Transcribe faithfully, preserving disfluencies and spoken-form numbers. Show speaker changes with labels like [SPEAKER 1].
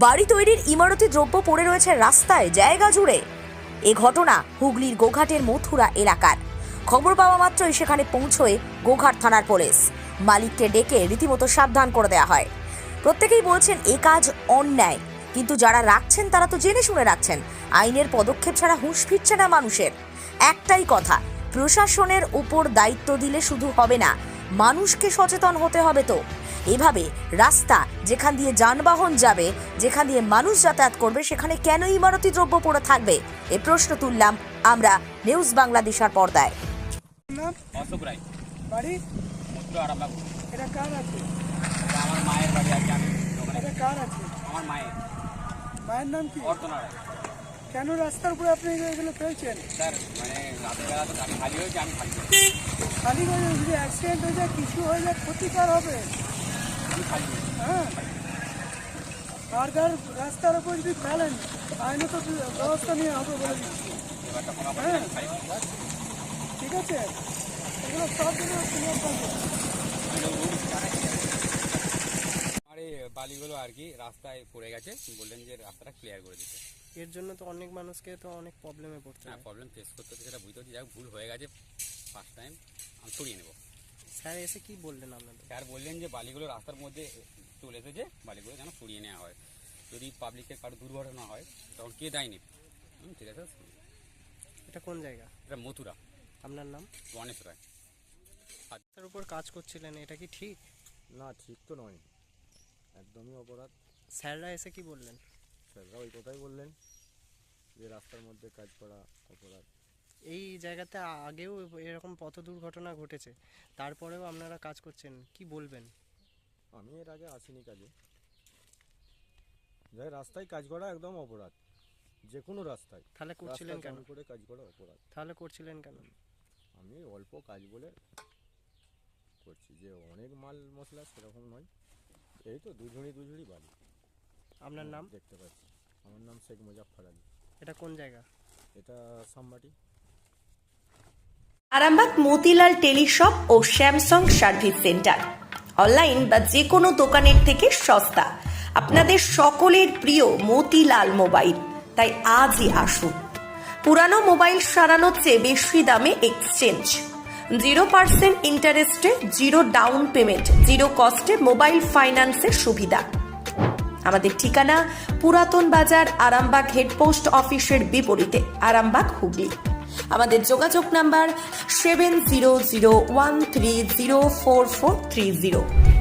[SPEAKER 1] বাড়ি তৈরির ইমারতি দ্রব্য পড়ে রয়েছে রাস্তায় জায়গা জুড়ে। এ ঘটনা হুগলির গোঘাটের মথুরা এলাকার। খবর পাওয়া মাত্রই সেখানে পৌঁছয় গোঘাট থানার পুলিশ। মালিককে ডেকে রীতিমতো সাবধান করে দেওয়া হয়। প্রত্যেকেই বলছেন এ কাজ অন্যায়, কিন্তু যারা রাখছেন তারা তো জেনে শুনে রাখছেন। আইনের পদক্ষেপ ছাড়া হুঁশ ফিরছে না মানুষের। একটাই কথা, প্রশাসনের উপর দায়িত্ব দিলে শুধু হবে না, মানুষকে সচেতন হতে হবে। তো এভাবে রাস্তা যেখান দিয়ে যানবাহন যাবে, যেখান দিয়ে মানুষ যাতায়াত করবে, সেখানে কেন ইমারতি দ্রব্য পড়ে থাকবে? এ প্রশ্ন তুললাম আমরা নিউজ বাংলাদেশের পর্দায়।
[SPEAKER 2] অশোক রায়,
[SPEAKER 3] বাড়ি
[SPEAKER 2] মথুরা আরামবাগ।
[SPEAKER 3] এটা কার আছে?
[SPEAKER 2] এটা আমার মায়ের বাড়ি আছে। আমি দোকানে
[SPEAKER 3] এটা কার আছে?
[SPEAKER 2] আমার মায়ের।
[SPEAKER 3] মায়ের নাম কি?
[SPEAKER 2] অর্চনা রায়।
[SPEAKER 3] কেন রাস্তার উপরে আপনি এগুলো ফেলছেন?
[SPEAKER 2] স্যার, মানে রাতের বেলা তো গাড়ি খালি হয়েছে, আমি খালি
[SPEAKER 3] খালি করে যদি অ্যাক্সিডেন্ট হয়ে যায়, কিছু হয়ে যায়, ক্ষতিকার হবে।
[SPEAKER 2] আমি খালি হয়েছি।
[SPEAKER 3] হ্যাঁ, আর যার রাস্তার উপর যদি ফেলেন, আইনত ব্যবস্থা নিয়ে হবে বলে দিচ্ছি।
[SPEAKER 2] এবারটা কমা পড়ে
[SPEAKER 3] হ্যাঁ,
[SPEAKER 2] আমি খালি হয়েছি।
[SPEAKER 3] ঠিক আছে, এগুলো সব দিনে ক্লিয়ার করবো।
[SPEAKER 2] আর এই বালিগুলো আর কি রাস্তায় পড়ে গেছে, বললেন যে রাস্তাটা ক্লিয়ার করে দিতে।
[SPEAKER 4] এর জন্য তো অনেক মানুষকে তো অনেক প্রবলেমে পড়তে
[SPEAKER 2] হ্যাঁ,
[SPEAKER 4] হয়।
[SPEAKER 2] প্রবলেম ফেস করতে হচ্ছে, সেটা বুঝতে হচ্ছে। যাই হোক, ভুল হয়ে গেছে, ফার্স্ট টাইম আমি সরিয়ে নেবো।
[SPEAKER 4] স্যার এসে কি বললেন আপনাদের?
[SPEAKER 2] স্যার বললেন যে বালিগুলো রাস্তার মধ্যে চলে এসেছে, বালিগুলো যেন সরিয়ে নেওয়া হয়। যদি পাবলিকের কারো দুর্ঘটনা হয় তখন কে দায় নেবে? হুম, ঠিক আছে।
[SPEAKER 4] এটা কোন জায়গা?
[SPEAKER 2] এটা মথুরা।
[SPEAKER 4] আপনার নাম?
[SPEAKER 2] গণেশ রায়।
[SPEAKER 4] তার উপর কাজ করছিলেন, এটা কি ঠিক?
[SPEAKER 5] না, ঠিক তো নয়, একদমই অপরাধ।
[SPEAKER 4] স্যাররা এসে কি বললেন?
[SPEAKER 5] স্যাররা ওই কথাই বললেন যে রাস্তার মধ্যে কাজ করা অপরাধ।
[SPEAKER 4] এই জায়গাতে আগেও এরকম পথ দুর্ঘটনা ঘটেছে, তারপরেও আপনারা কাজ করছেন, কি বলবেন?
[SPEAKER 5] আমি এর আগে আসিনি কাজে। যাই রাস্তায় কাজ করা একদম অপরাধ, যে কোনো রাস্তায়।
[SPEAKER 4] তাহলে করছিলেন
[SPEAKER 5] রাস্তা
[SPEAKER 4] কেন?
[SPEAKER 5] চালু করে কাজ করা অপরাধ।
[SPEAKER 4] তাহলে করছিলেন কেন?
[SPEAKER 5] আমি অল্প কাজ বলে করছি, যে অনেক মাল মশলা সেরকম নয়। এই তো দুঝুড়ি দুঝুড়ি বালি।
[SPEAKER 4] আপনার নাম?
[SPEAKER 5] দেখতে পাচ্ছি। আমার নাম শেখ মুজাফফর আলী।
[SPEAKER 4] এটা কোন জায়গা?
[SPEAKER 5] এটা সামবাটি।
[SPEAKER 1] আরামবাগ মতিলাল টেলিশপ ও স্যামসাং সার্ভিস সেন্টার, অনলাইন বা যে কোনো দোকানের থেকে সস্তা। আপনাদের সকলের প্রিয় মতিলাল মোবাইল, তাই আজই আসুন। পুরানো মোবাইল সারানোর চেয়ে বেশি দামে এক্সচেঞ্জ, জিরো পার্সেন্ট ইন্টারেস্টে, জিরো ডাউন পেমেন্ট, জিরো কস্টে মোবাইল ফাইন্যান্সের সুবিধা। আমাদের ঠিকানা পুরাতন বাজার, আরামবাগ হেডপোস্ট অফিসের বিপরীতে, আরামবাগ, হুগলি। আমাদের যোগাযোগ number seven zero zero one three zero four four three zero.